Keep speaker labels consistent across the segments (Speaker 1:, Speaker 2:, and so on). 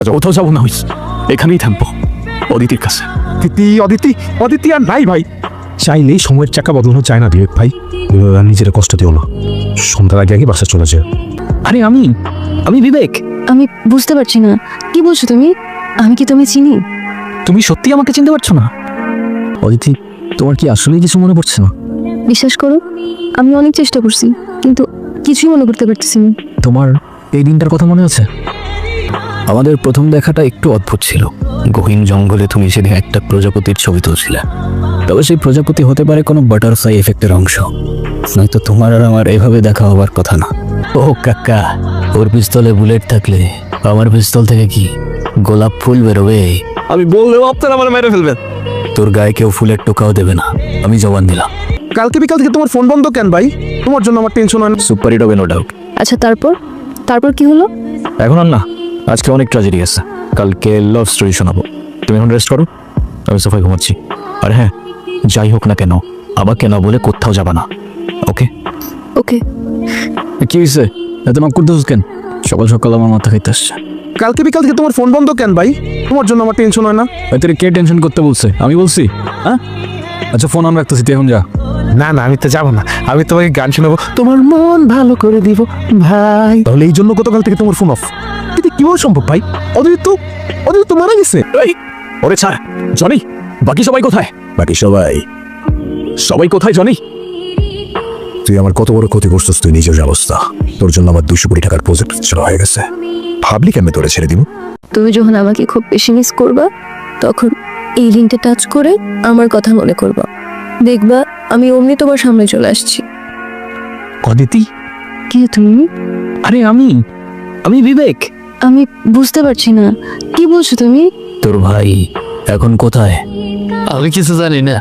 Speaker 1: কোথাও যাবো না, হইস এখানেই থামবো অদিতির কাছে।
Speaker 2: অদিতি অদিতি অদিতি আর নাই ভাই। চাইলেই সময়ের চাকা বদলানো চায় না বিবেক ভাই। নিজের কষ্ট দিও না, সন্ধ্যার আগে আগে বাসা চলে যায়।
Speaker 1: আরে আমি বিবেক।
Speaker 3: আমি বুঝতে পারছি না কি বলছো তুমি। আমি কি তুমি চিনি?
Speaker 1: তুমি সত্যি আমাকে চিনতে পারছো না? অদিতি, তোমার কি আসলেই কিছু মনে পড়ছে না?
Speaker 3: বিশ্বাস করো, আমি অনেক চেষ্টা করছি কিন্তু কিছুই মনে করতে পারতেছি না।
Speaker 1: তোমার এই দিনটার কথা মনে আছে? আমাদের প্রথম দেখাটা একটু অদ্ভুত ছিল। গহীন জঙ্গলে তুমি সেদিন একটা প্রজাপতির ছবি তুলছিলে। তবে সেই প্রজাপতি হতে পারে কোনো বাটারফ্লাই এফেক্টের অংশ, নয়তো তোমার আর আমার এভাবে দেখা হবার কথা না। ও কাকা, ওর পিস্তলে বুলেট থাকলে আমার পিস্তল থেকে কি গোলাপ ফুল বেরোবে? আমি বললেও আপনারা আমার মেরে ফেলবেন। তোর গায়ে কেউ ফুলের টোকাও দেবে না, আমি জবান দিলাম।
Speaker 2: কালকে বিকাল থেকে তোমার ফোন বন্ধ কেন ভাই? তোমার জন্য আমার টেনশন হয় না।
Speaker 1: সুপার হিট হবে, নো ডাউট।
Speaker 3: আচ্ছা তারপর তারপর কি হলো?
Speaker 1: এখন আর না, আজকে অনেক ট্র্যাজেডি আছে। কালকে লাভ স্টোরি শোনাবো। তুমি এখন রেস্ট করো, আমি সোফায় ঘুমাচ্ছি। আর হ্যাঁ, যাই হোক না কেন আমাকে না বলে কোথাও যাবা না, ওকে?
Speaker 3: ওকে।
Speaker 1: কি হয়েছে এত নক করতে কেন? সকাল সকাল আমার মাথা খাইতে আসছে।
Speaker 2: কালকে বিকাল থেকে তোমার ফোন বন্ধ কেন ভাই? তোমার জন্য আমার টেনশন হয় না।
Speaker 1: তোর কে টেনশন করতে বলছে? আমি বলছি? হ্যাঁ, আচ্ছা ফোন আমি রাখতেছি, তুই এখন যা।
Speaker 2: না না, আমি তো যাবো না। আমি তোমাকে গান শোনাবো, তোমার মন ভালো করে দিব ভাই। তাহলে এই জন্য গতকাল থেকে তোমার ফোন অফ? এটা কিভাবে সম্ভব ভাই? অদিতি তো মারা গেছে।
Speaker 1: এই, ওরে ছাড়। জনি, বাকি সবাই কোথায়? বাকি সবাই কোথায় জনি?
Speaker 4: তুই আমার কত বড় ক্ষতি করছিস তুই নিজের অবস্থা। তোর জন্য আমার 200 কোটি টাকার প্রজেক্ট চলা হয়ে গেছে। ভাবলি কেমনে তোরে ছেড়ে দিব?
Speaker 3: তুমি যখন আমাকে খুব বেশি মিস করবা তখন এই লিঙ্কটা টাচ করে আমার কথা মনে করবা, দেখবা আমি অমনি তোমার সামনে চলে আসছি।
Speaker 1: অদিতি?
Speaker 3: কে তুমি?
Speaker 1: আরে আমি বিবেক।
Speaker 3: আমি বুঝতে পারছি না কি বলছো তুমি।
Speaker 1: তোর ভাই এখন কোথায়? আমি কিছু জানি না।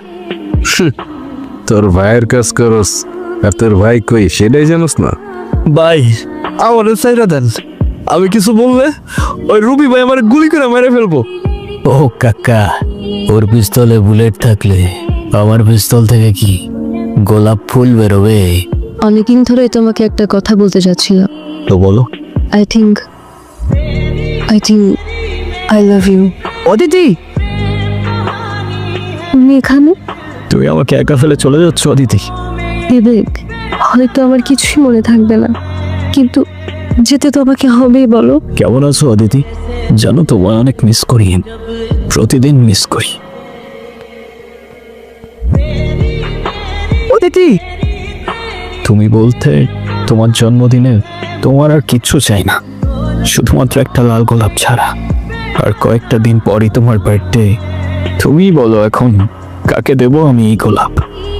Speaker 4: তোর ভাইয়ের কাজ করস আর তোর ভাই কই সেটাই জানোস না?
Speaker 1: ভাই আমার সাইরা দেন, আমি কিছু বললে ওই রুবি ভাই আমার গুলি করে মেরে ফেলবো। ও কাকা, ওর পিস্তলে বুলেট থাকলে আমার পিস্তল থেকে কি গোলাপ ফুল বেরোবে?
Speaker 3: অনেকদিন ধরে তোমাকে একটা কথা বলতে চাচ্ছিলাম।
Speaker 1: তো বলো।
Speaker 3: I think I love you.
Speaker 1: Aditi,
Speaker 3: তুমি এখানে?
Speaker 1: তুমি আমাকে একা ফেলে চলে যাচ্ছ অদিতি?
Speaker 3: বিবেক, হয়তো আমার কিছুই মনে থাকবে না কিন্তু যেতে তো আমাকে হবেই, বলো।
Speaker 1: কেমন আছো অদিতি? জানো তোমায় অনেক মিস করি, প্রতিদিন মিস করি। অদিতি, তুমি বলতে তোমার জন্মদিনে তোমার আর কিচ্ছু চাই না, শুধুমাত্র একটা লাল গোলাপ ছাড়া। আর কয়েকটা দিন পরই তোমার বার্থডে। তুমি বলো এখন কাকে দেবো আমি এই গোলাপ?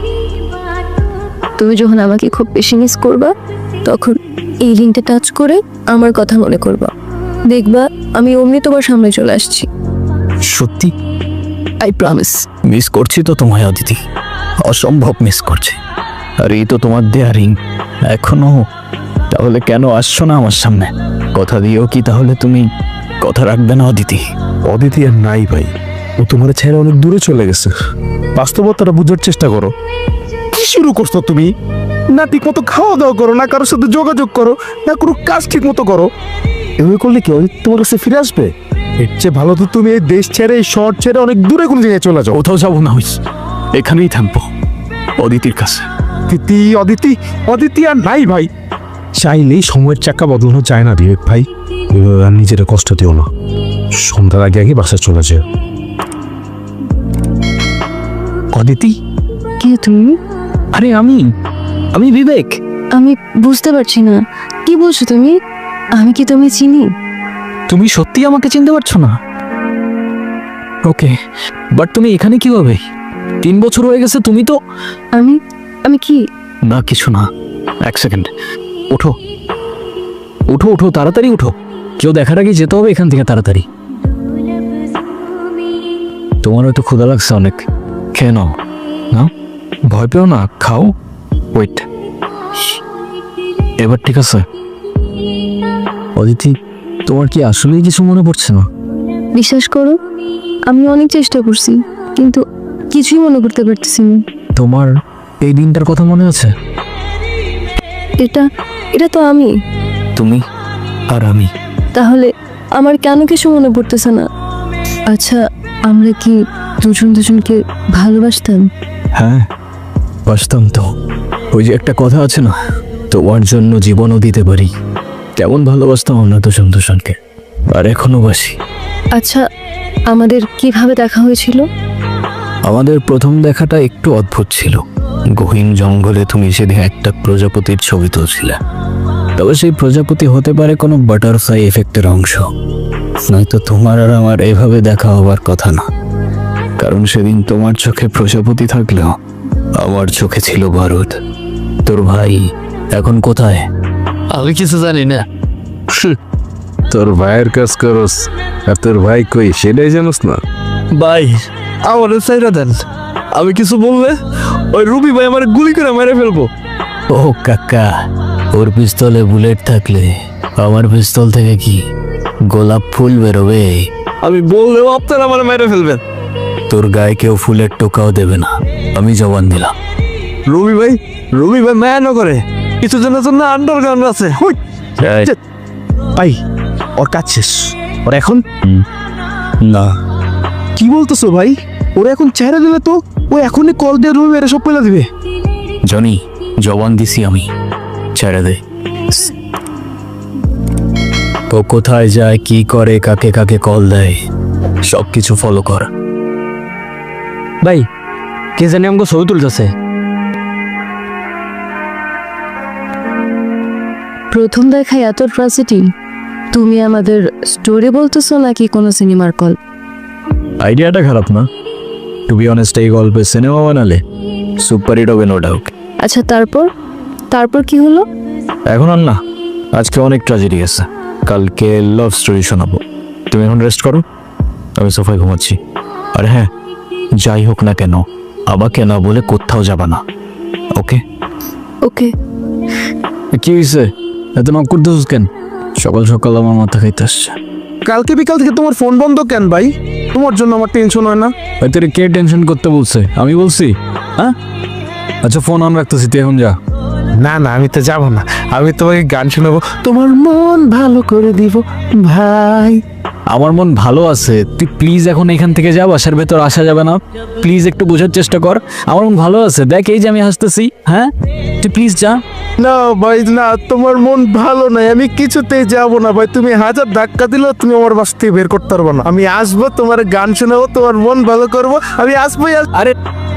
Speaker 3: তুমি যখন আমাকে খুব বেশি মিস করবা তখন এই লিঙ্কটা টাচ করে আমার কথা মনে করবা, দেখবা আমি অমনি তোমার সামনে চলে আসছি।
Speaker 1: সত্যি? I promise. মিস করছি তো তোমায় অদিতি, অসম্ভব মিস করছি। আর এই তো তোমার দেয়া রিং এখনো। তাহলে কেন আসছো না আমার সামনে? কথা দিও কি তাহলে তুমি কথা রাখবে না অদিতি?
Speaker 2: অদিতি আর নাই ভাই, ও তোমার ছেড়ে অনেক দূরে চলে গেছে। বাস্তবতাটা বুঝার চেষ্টা করো। কি শুরু করছো তুমি? না ঠিক মতো খাওয়া দাওয়া করো, না কারোর সাথে যোগাযোগ করো, না কোনো কাজ ঠিক মতো করো। এভাবে করলে কি অদিতি তোমার কাছে ফিরে আসবে? এর চেয়ে ভালো তো তুমি এই দেশ ছেড়ে, এই শহর ছেড়ে অনেক দূরে কোনো জায়গায় চলে যাও।
Speaker 1: কোথাও যাবো না, হইস এখানেই থামবো অদিতির কাছে।
Speaker 2: অদিতি অদিতি আর নাই ভাই। চাইলেই সময়ের চাকা বদলানো চায় না বিবেক ভাই। নিজের কষ্ট দিও না, সন্ধ্যার আগে আগে বাসা চলে যায়।
Speaker 1: অদিতি?
Speaker 3: কে তুমি?
Speaker 1: আরে আমি বিবেক।
Speaker 3: আমি বুঝতে পারছি না কি বলছো তুমি। আমি কি তুমি চিনি?
Speaker 1: তুমি সত্যি আমাকে চিনতে পারছো না? ওকে, বাট তুমি এখানে কিভাবে? 3 বছর হয়ে গেছে, তুমি তো।
Speaker 3: আমি কি?
Speaker 1: না কিছু না, এক সেকেন্ড। ওঠো ওঠো ওঠো, তাড়াতাড়ি উঠো। কেউ দেখার আগে যেতে হবে এখান থেকে তাড়াতাড়ি। তোমার হয়তো ক্ষুধা লাগছে অনেক, খেয়ে নাও। না, ভয় পেও না, খাও। ওয়েট, এবার ঠিক আছে? অদিতি, তোমার কি আসলেই কিছু মনে পড়ছে না?
Speaker 3: বিশ্বাস করো, আমি অনেক চেষ্টা করছি কিন্তু কিছুই মনে করতে পারতেছি না।
Speaker 1: তোমার এই দিনটার কথা মনে আছে?
Speaker 3: এটা তো আমি।
Speaker 1: তুমি আর আমি।
Speaker 3: তাহলে আমার কেন কিছু মনে পড়তেছে না। আচ্ছা, আমরা কি দুজন দুজনকে ভালোবাসতাম?
Speaker 1: হ্যাঁ, বাসতাম তো। ওই যে একটা কথা আছে না, তোমার জন্য জীবনও দিতে পারি, তেমন ভালোবাসতাম আমরা দুজন দুজনকে, আর এখনো বাসি।
Speaker 3: আচ্ছা, আমাদের কিভাবে দেখা হয়েছিল?
Speaker 1: আমাদের প্রথম দেখাটা একটু অদ্ভুত ছিল। গহীন জঙ্গলে তুমি সেদিন একটা প্রজাপতির ছবি তুলছিলে। তবে সেই প্রজাপতি হতে পারে কোনো বাটারফ্লাই এফেক্টের অংশ, নয়তো তোমার আর আমার এভাবে দেখা হবার কথা না। কারণ সেদিন তোমার চোখে প্রজাপতি থাকলেও আমার চোখে ছিল বারুদ। তোর ভাই এখন কোথায়?
Speaker 5: আমি কিছু জানি না।
Speaker 2: তোর ভাইয়ের কাজ করস, আর তোর ভাই কই সেটাই জানোস না?
Speaker 5: ভাই আমার সাইরা দেন, আমি কিছু বললে ওই রুবি ভাই আমার গুলি করে মেরে ফেলবো।
Speaker 1: ও কাকা, ওর পিস্তলে বুলেট থাকলে আমার পিস্তল থেকে কি গোলাপ ফুল বেরোবে?
Speaker 5: আমি বললেও আপনারা আমার মেরে ফেলবেন।
Speaker 1: তোর গায়ে কেউ ফুলের টোকাও দেবে না, আমি জবান দিলাম।
Speaker 5: রুবি ভাই মায়া না করে, কিছু জনের জন্য আন্ডারগ্রাউন্ড আছে।
Speaker 2: ভাই ওর কাজ শেষ, ওর এখন
Speaker 1: না,
Speaker 2: কি বলতেছো ভাই? ওরা এখন চেহারা দিলে তো ও এখনই কল দিয়ে রুমে মেরে সব পেলা দিবে।
Speaker 1: জনি, জবান দিছি আমি, ছেড়ে দে। ও কোথায় যায়, কি করে, কাকে কাকে কল দেয়, সব কিছু ফলো কর।
Speaker 5: ভাই কে জানি আমাকে ছবি তুলতেছে।
Speaker 3: প্রথম দেখায় এত ট্রাজেডি? তুমি আমাদের স্টোরি বলতেছো নাকি কোনো সিনেমার কল?
Speaker 1: আইডিয়াটা খারাপ না, টু বি অনেস্ট। এই গল্পে সিনেমা বানালে সুপার হিট হবে, নো ডাউট।
Speaker 3: আচ্ছা, তারপর কি হলো?
Speaker 1: এখন আর না, আজকে অনেক ট্র্যাজেডি আছে, কালকে লাভ স্টোরি শোনাবো। তুমি এখন রেস্ট করো, আমি সোফায় ঘুমাচ্ছি। আর হ্যাঁ, যাই হোক না কেন আমাকে না বলে কোথাও যাবা না, ওকে?
Speaker 3: ওকে।
Speaker 1: কি হয়েছে, এত নক করতেছিস কেন? সকাল সকাল আমার মাথা খাইতে আসছে।
Speaker 2: কালকে বিকাল থেকে তোমার ফোন বন্ধ কেন ভাই? তোমার জন্য আমার টেনশন হয় না?
Speaker 1: ভাই তোর কে টেনশন করতে বলছে? আমি বলছি? হ্যাঁ, আচ্ছা ফোন অন রাখতেছি, তুই এখন যা।
Speaker 2: না না, আমি তো যাবো না, আমি তোমাকে গান শোনাবো, তোমার মন ভালো করে দিব ভাই।
Speaker 1: আমার মন ভালো আছে, তুই প্লিজ এখন এখান থেকে যা, বাসার ভেতর আসা যাবে না, প্লিজ একটু বোঝার চেষ্টা কর। আমার মন ভালো আছে, দেখ এই যে আমি হাসতেছি। হ্যাঁ, তুই প্লিজ যা।
Speaker 2: না ভাই না, তোমার মন ভালো নাই, আমি কিছুতেই যাবো না ভাই। তুমি হাজার ধাক্কা দিলেও তুমি আমার বাস থেকে বের করতে পারবো না। আমি আসবো, তোমার গান শোনাবো, তোমার মন ভালো করবো, আমি আসবোই।
Speaker 1: আরে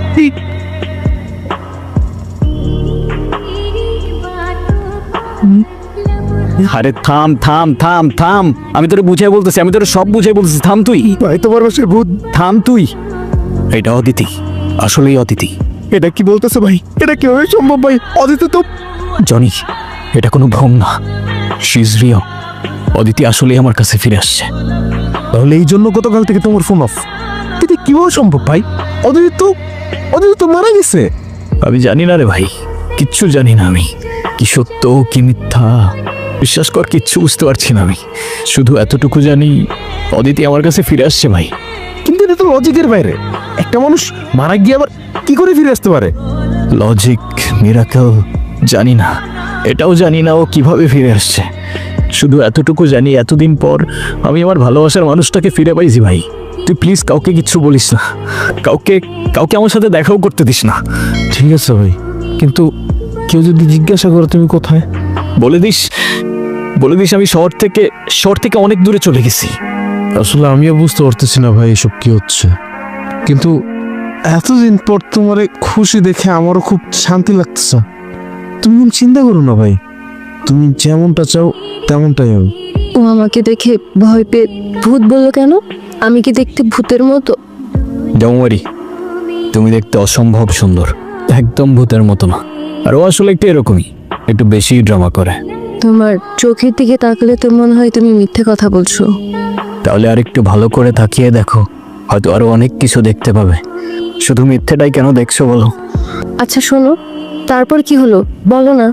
Speaker 1: আরে থাম থাম থাম থাম, আমি তোরে বুঝাই বলতেছি, আমি তোরে সব বুঝাই বলতেছি, থাম তুই।
Speaker 2: ভাই তোমার বাসায় ভূত?
Speaker 1: থাম তুই। এটা অদিতি, আসলেই অদিতি।
Speaker 2: এটা কি বলতেছো ভাই? এটা কিভাবে সম্ভব ভাই? অদিতি তো
Speaker 1: জনি, এটা কোনো ভ্রম না, শি ইজ রিয়েল। অদিতি আসলেই আমার কাছে ফিরে আসছে।
Speaker 2: তাহলে এই জন্য গতকাল থেকে তোমার ফোন অফ? এটা কিভাবে সম্ভব ভাই? অদিতি তো মারা গেছে।
Speaker 1: আমি জানি না রে ভাই, কিচ্ছু জানি না আমি, কি সত্য কি মিথ্যা বিশ্বাস কর, কিচ্ছু বুঝতে পারছি না আমি। শুধু এতটুকু জানি অদিতি আমার কাছে ফিরে আসছে ভাই।
Speaker 2: কিন্তু এটা তো লজিকের বাইরে। একটা মানুষ মারা গিয়ে আবার কি করে ফিরে আসতে পারে?
Speaker 1: লজিক, মিরাকেল, জানি না, এটাও জানি না ও কিভাবে ফিরে আসছে। শুধু এতটুকু জানি এতদিন পর আমি আমার ভালোবাসার মানুষটাকে ফিরে পাইছি ভাই। তুই প্লিজ কাউকে কিচ্ছু বলিস না, কাউকে আমার সাথে দেখাও করতে দিস না।
Speaker 2: ঠিক আছে ভাই, কিন্তু কেউ যদি জিজ্ঞাসা করে তুমি কোথায়,
Speaker 1: বলে দিস আমি শহর থেকে অনেক দূরে চলে গেছি।
Speaker 2: আসলে আমিও বুঝতে পারতেছি না ভাই এসব কি হচ্ছে। কিন্তু এতদিন পর তোমার খুশি দেখে আমারও খুব শান্তি লাগতেছে। তুমি চিন্তা করো না ভাই, তুমি যেমনটা চাও তেমনটাই হবে।
Speaker 3: ও আমাকে দেখে ভয় পেয়ে ভূত বললো কেন? আমি কি দেখতে ভূতের মতো?
Speaker 1: ডোন্ট ওয়ারি, তুমি দেখতে অসম্ভব সুন্দর, একদম ভূতের মতো না। আর ও আসলে একটু এরকমই, একটু বেশি ড্রামা করে।
Speaker 3: তোমার চোখের দিকে তাকালে তো মনে হয় তুমি মিথ্যে কথা বলছো।
Speaker 1: তাহলে আর একটু ভালো করে তাকিয়ে দেখো, হয়তো আরো অনেক কিছু দেখতে পাবে। শুধু মিথ্যেটাই কেন দেখছো বলো?
Speaker 3: আচ্ছা শোনো, তারপর কি হলো বলো না।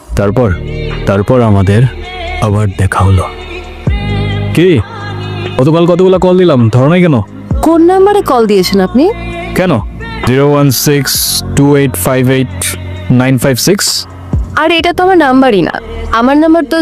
Speaker 1: তারপর আমাদের আবার দেখা হলো। কি গতকাল কতগুলো কল দিলাম, ধরো নাই কেন?
Speaker 3: কোন নাম্বারে কল দিয়েছেন আপনি?
Speaker 1: কেন? 01628589556।
Speaker 3: আর এটা তো আমার নাম্বারই না, আমার নাম্বার তো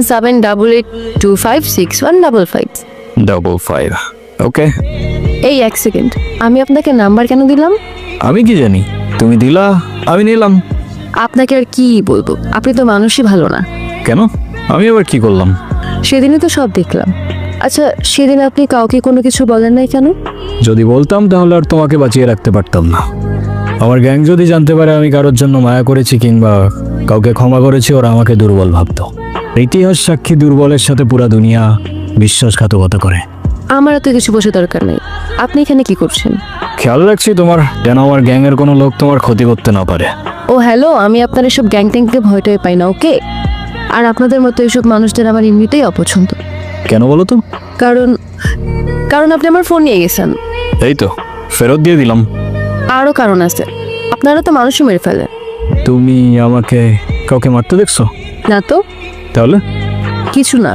Speaker 3: 01788256155।
Speaker 1: 55 ওকে।
Speaker 3: এই এক সেকেন্ড, আমি আপনাকে নাম্বার কেন দিলাম?
Speaker 1: আমি কি জানি, তুমি দিলা, আমি নিলাম।
Speaker 3: আপনাকে আর কি বলবো, আপনি তো মানুষই ভালো না।
Speaker 1: কেন? আমি আবার কি করলাম?
Speaker 3: সেদিনই তো সব দেখলাম। আচ্ছা, সেদিন আপনি কাউকে কোনো কিছু বলেন নাই কেন?
Speaker 1: যদি বলতাম তাহলে আর তোমাকে বাঁচিয়ে রাখতে পারতাম না। আমার গ্যাং যদি জানতে পারে আমি কারোর জন্য মায়া করেছি কিংবা কাউকে ক্ষমা করেছি, ওরা আমাকে দুর্বল ভাবতো। ইতিহাস সাক্ষী দুর্বলের সাথে পুরা দুনিয়া বিশ্বাসঘাতকতা করে।
Speaker 3: আমার তো কিছু বসে দরকার নেই, আপনি এখানে কি করছেন?
Speaker 1: খেয়াল রাখছি তোমার, যেন আমার গ্যাংয়ের কোনো লোক তোমার ক্ষতি করতে না পারে।
Speaker 3: ও হ্যালো, আমি আপনার এসব গ্যাং ট্যাংকে ভয়টাই পাই না, ওকে? আর আপনাদের মতো এইসব মানুষদের আমার এমনিতেই অপছন্দ।
Speaker 1: কেন বলো তো?
Speaker 3: কারণ কারণ আপনি আমার ফোন নিয়ে গেছেন।
Speaker 1: এই তো ফেরত দিয়ে দিলাম।
Speaker 3: আরও কারণ আছে, আপনারা তো মানুষও মেরে ফেলে।
Speaker 1: তুমি আমাকে কাউকে মারতে দেখছো?
Speaker 3: না তো,
Speaker 1: তাহলে
Speaker 3: কিছু না।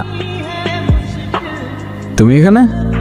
Speaker 1: তুমি এখানে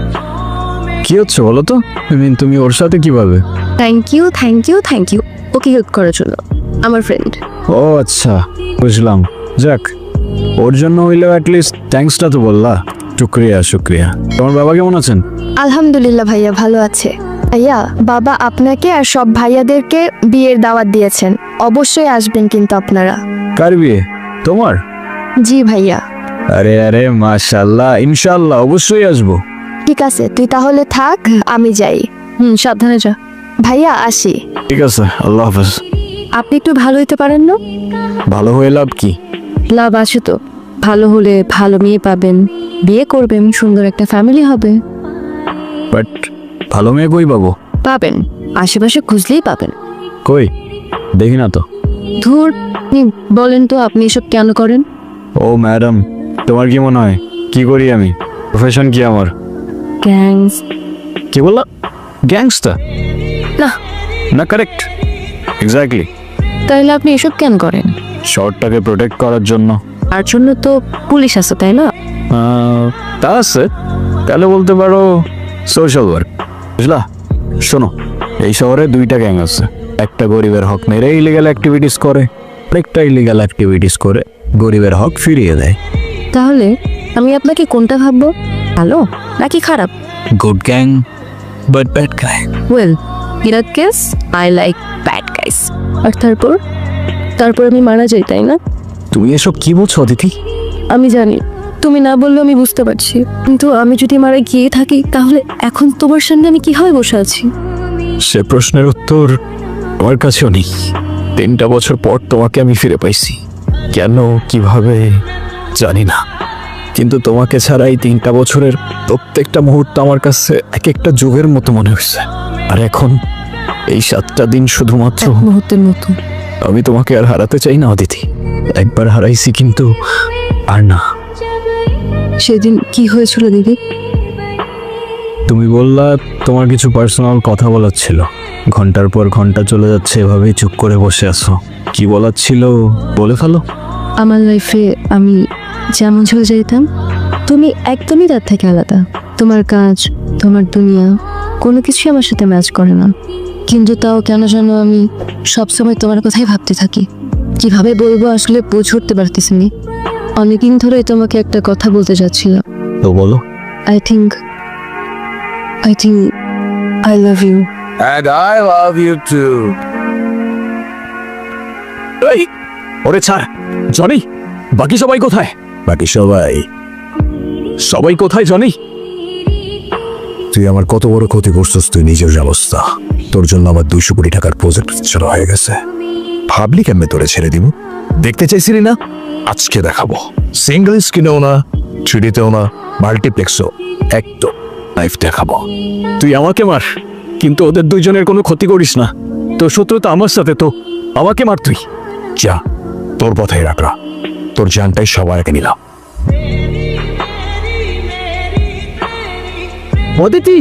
Speaker 1: কি হচ্ছে বলো তো? তুমি ওর সাথে কিভাবে?
Speaker 3: Thank you thank you thank you, ওকে হেল্প করার জন্য, আমার ফ্রেন্ড।
Speaker 1: ও আচ্ছা, বুঝলাম। যাক, ওর জন্য হইলেও অ্যাটলিস্ট থ্যাঙ্কসটা তো বললা। শুক্রিয়া শুক্রিয়া। তোমার বাবা কেমন আছেন?
Speaker 6: আলহামদুলিল্লাহ ভাইয়া ভালো আছে। ভাইয়া, বাবা আপনাকে আর সব ভাইয়াদেরকে বিয়ের দাওয়াত দিয়েছেন, অবশ্যই আসবেন কিন্তু আপনারা।
Speaker 1: কার বিয়ে? তোমার?
Speaker 6: জি ভাইয়া।
Speaker 1: আরে আরে মাশাআল্লাহ, ইনশাআল্লাহ অবশ্যই আসবো।
Speaker 6: ঠিক আছে, তুই তাহলে থাক, আমি যাই।
Speaker 3: সাবধানে যা।
Speaker 6: ভাইয়া আসি।
Speaker 1: ঠিক আছে, আল্লাহ হাফেজ।
Speaker 3: আপনি একটু ভালো হইতে পারেন না?
Speaker 1: ভালো হয়ে লাভ কি?
Speaker 3: লাভ আছে তো, ভালো হলে ভালো মেয়ে পাবেন, বিয়ে করবেন, সুন্দর একটা ফ্যামিলি হবে।
Speaker 1: বাট ভালো মেয়ে কই পাবো?
Speaker 3: পাবেন, আশেপাশে খুঁজলেই পাবেন।
Speaker 1: কই দেখি না তো।
Speaker 3: ধুর, আপনি বলেন তো আপনি এসব কেন করেন?
Speaker 1: ও ম্যাডাম, তোমার কি মনে হয় কি করি আমি? প্রফেশন কি আমার?
Speaker 3: গ্যাংস।
Speaker 1: কি বললা? গ্যাংস্টার?
Speaker 3: না।
Speaker 1: না, কারেক্ট, এক্স্যাক্টলি।
Speaker 3: তাহলে আপনি এসব কেন করেন?
Speaker 1: শর্টটাকে প্রোটেক্ট করার জন্য।
Speaker 3: তার জন্য তো পুলিশ আছে, তাই না?
Speaker 1: তা আছে, তাহলে বলতে পারো সোশ্যাল ওয়ার্ক, বুঝলা? শোনো, এই শহরে দুইটা গ্যাং আছে। একটা গরিবের হক মেরে ইলিগাল অ্যাক্টিভিটিস করে, আরেকটা ইলিগাল অ্যাক্টিভিটিস করে গরিবের হক ফিরিয়ে দেয়।
Speaker 3: তাহলে আমি আপনাকে কোনটা ভাববো, ভালো নাকি খারাপ?
Speaker 1: Good gang but bad guy.
Speaker 3: Well, in that case I like bad guys. আর তারপর আমি মারা যাই, তাই না?
Speaker 1: তুমি এসব কি বলছো অদিতি?
Speaker 3: আমি জানি, তুমি না বললেও আমি বুঝতে পারছি, কিন্তু আমি যদি মারা গিয়ে থাকি তাহলে এখন তোমার সামনে আমি কিভাবে বসে আছি?
Speaker 1: সে প্রশ্নের উত্তর আমার কাছেও নেই। 3টা বছর পর তোমাকে আমি ফিরে পাইছি, কেন কিভাবে জানি না, কিন্তু তোমাকে ছাড়া এই 3টা বছরের প্রত্যেকটা মুহূর্ত আমার কাছে এক একটা যুগের মতো মনে হয়েছে। আর এখন এই 7টা দিন শুধুমাত্র
Speaker 3: এক মুহূর্তের মতো।
Speaker 1: আমি তোমাকে আর হারাতে চাই না অদিতি। একবার হারাইছি কিন্তু আর না।
Speaker 3: সেদিন কি হয়েছিল দিদি?
Speaker 1: তুমি বললা তোমার কিছু পার্সোনাল কথা বলার ছিল। ঘন্টার পর ঘন্টা চলে যাচ্ছে, এভাবেই চুপ করে বসে আছো। কি বলার ছিল বলে ফেলো।
Speaker 3: আমার লাইফে আমি যেমন চলে যেতাম, তুমি একদমই তার থেকে আলাদা। তোমার কাজ, তোমার দুনিয়া কোনো কিছুই আমার সাথে ম্যাচ করে না, কিন্তু তাও কেন যেন আমি সবসময় তোমার কথাই ভাবতে থাকি। কিভাবে বলবো আসলে বুঝে উঠতে পারতেছি না। অনেকদিন ধরেই তোমাকে একটা কথা বলতে যাচ্ছিলাম।
Speaker 1: তো বলো।
Speaker 3: I think I love you.
Speaker 2: And I love you too.
Speaker 1: এই, ওরে ছাড়। জনি, বাকি সবাই কোথায়?
Speaker 4: বাকি সবাই
Speaker 1: কোথায় জনি?
Speaker 4: তুই আমার কত বড় ক্ষতি করছিস তুই নিজের অবস্থা। তোর জন্য আমার 200 কোটি টাকার প্রজেক্ট ছাড়া হয়ে গেছে। ভাবলি কেমনে তোরে ছেড়ে দিব? দেখতে চাইছিলি না? আজকে দেখাবো। সিঙ্গেল স্ক্রিনেও না, 3Dতেও না, মাল্টিপ্লেক্সও একদম লাইভ দেখাবো।
Speaker 1: তুই আমাকে মার, কিন্তু ওদের দুইজনের কোনো ক্ষতি করিস না। তোর শত্রুতা আমার সাথে, তো আমাকে মার তুই।
Speaker 4: যা, তোর পথে রাখা। তোর জানটাই সবার আগে নিলাম।
Speaker 1: অদিতি,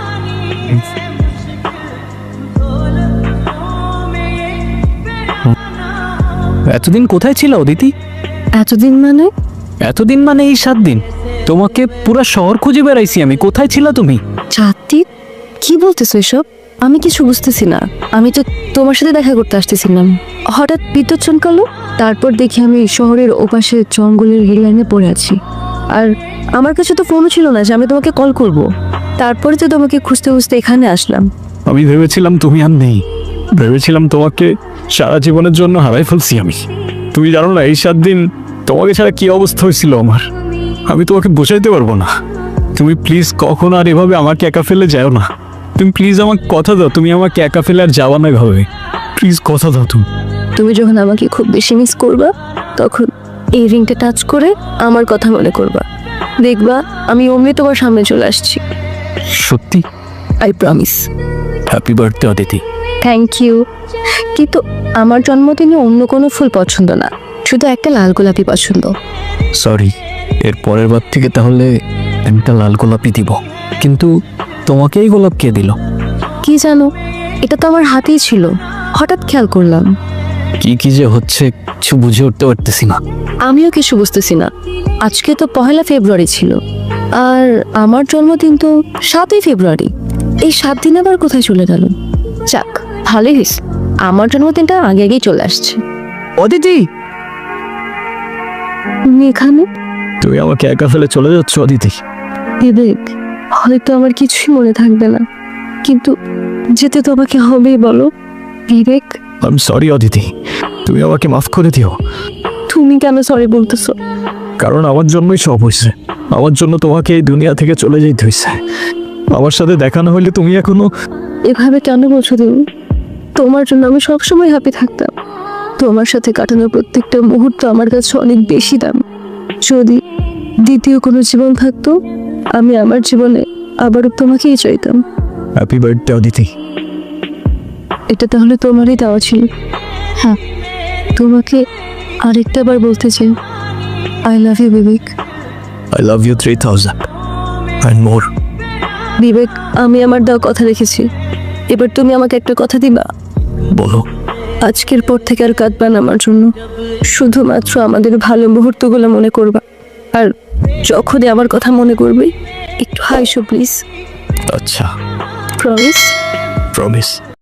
Speaker 1: এতদিন কোথায় ছিল অদিতি?
Speaker 3: এতদিন মানে?
Speaker 1: এতদিন মানে এই 7 দিন। তোমাকে পুরো শহর খুঁজে বেড়াইছি আমি, কোথায় ছিল তুমি?
Speaker 3: চাঁদটি কি বলতেছো এসব? আমি কিছু বুঝতেছি না। আমি তো তোমার সাথে দেখা করতে আসতেছিলাম, হঠাৎ বিদ্যুৎ চমকালো। তারপর দেখি আমি শহরের ওপাশে জঙ্গলের রেললাইনে পড়ে আছি। আর আমার কাছে তো ফোনও ছিল না যে আমি তোমাকে কল করব। তারপরে তো তোমাকে খুঁজতে খুঁজতে এখানে আসলাম।
Speaker 1: আমি ভেবেছিলাম তুমি আর নেই, ভেবেছিলাম তোমাকে সারা জীবনের জন্য হারাই ফেলছি আমি। তুমি জানো না এই 7 দিন তোমাকে ছাড়া কি অবস্থা হয়েছিল আমার, আমি তোমাকে বোঝাইতে পারবো না। তুমি প্লিজ কখনো আর এভাবে আমাকে একা ফেলে যাও না। তুমি প্লিজ আমাকে কথা দাও, তুমি আমাকে একা ফেলে আর যাওয়া না এভাবে, প্লিজ কথা দাও তুমি।
Speaker 3: তুমি যখন আমাকে খুব বেশি মিস করবা, তখন এই রিংটা টাচ করে আমার কথা মনে করবা। দেখবা আমি অমনি তোমার সামনে চলে আসছি।
Speaker 1: সত্যি?
Speaker 3: I promise.
Speaker 1: Happy birthday Aditi.
Speaker 3: Thank you. কিন্তু আমার জন্মদিনে অন্য কোনো ফুল পছন্দ না, শুধু একটা লাল গোলাপি পছন্দ।
Speaker 1: সরি, এর পরের বার থেকে তাহলে একটা লাল গোলাপই দিব। কিন্তু তোমাকে এই গোলাপ কে দিল?
Speaker 3: কি জানো, এটা তো আমার হাতেই ছিল, হঠাৎ খেয়াল করলাম।
Speaker 1: কি কি যে হচ্ছে কিছু বুঝে উঠতে পারতেছি না।
Speaker 3: আমিও কিছু বুঝতেছি না। আজকে তো 1 ফেব্রুয়ারি ছিল, আর আমার জন্মদিন তো 7 ফেব্রুয়ারি। এই 7 দিন আবার কোথায় চলে গেল? যাক, ভালোই হয়েছে, আমার জন্মদিনটা আগে আগেই চলে আসছে।
Speaker 5: অদিতি,
Speaker 3: তুমি এখানে?
Speaker 1: তুমি আমাকে একা ফেলে চলে যাচ্ছ অদিতি?
Speaker 3: বিবেক, হয়তো আমার কিছুই মনে থাকবে না, কিন্তু যেতে তো আমাকে হবেই, বলো Vivek.
Speaker 1: I am sorry Aditi, তুমি আমাকে মাফ করে দিও।
Speaker 3: তুমি কেন সরি বলতেছো?
Speaker 1: কারণ আমার জন্যই সব হয়েছে, আমার জন্য তোমাকে এই দুনিয়া থেকে চলে যেতে হয়েছে। আমার সাথে দেখা না হইলে তুমি এখনো।
Speaker 3: এভাবে কেন বলছো তুমি? তোমার জন্য আমি সবসময় হ্যাপি থাকতাম। তোমার সাথে কাটানোর প্রত্যেকটা মুহূর্ত আমার কাছে অনেক বেশি দাম। যদি দ্বিতীয় কোনো জীবন থাকতো, আমি আমার জীবনে আবারও তোমাকেই চাইতাম।
Speaker 1: Happy birthday Aditi.
Speaker 3: এটা তাহলে তোমারই দেওয়া ছিল। হ্যাঁ, তোমাকে আরেকটা বার বলতে চাই, I love you Vivek.
Speaker 1: I love you 3000 and more.
Speaker 3: Vivek, আমি আমার দেওয়া কথা রেখেছি, এবার তুমি আমাকে একটা কথা দিবা?
Speaker 1: বলো।
Speaker 3: আজকের পর থেকে আর কাঁদবা না আমার জন্য, শুধুমাত্র আমাদের ভালো মুহূর্তগুলো মনে করবা। আর যখনই আমার কথা মনে করবে একটু হাসো প্লিজ।
Speaker 1: আচ্ছা,
Speaker 3: প্রমিস?
Speaker 1: প্রমিস।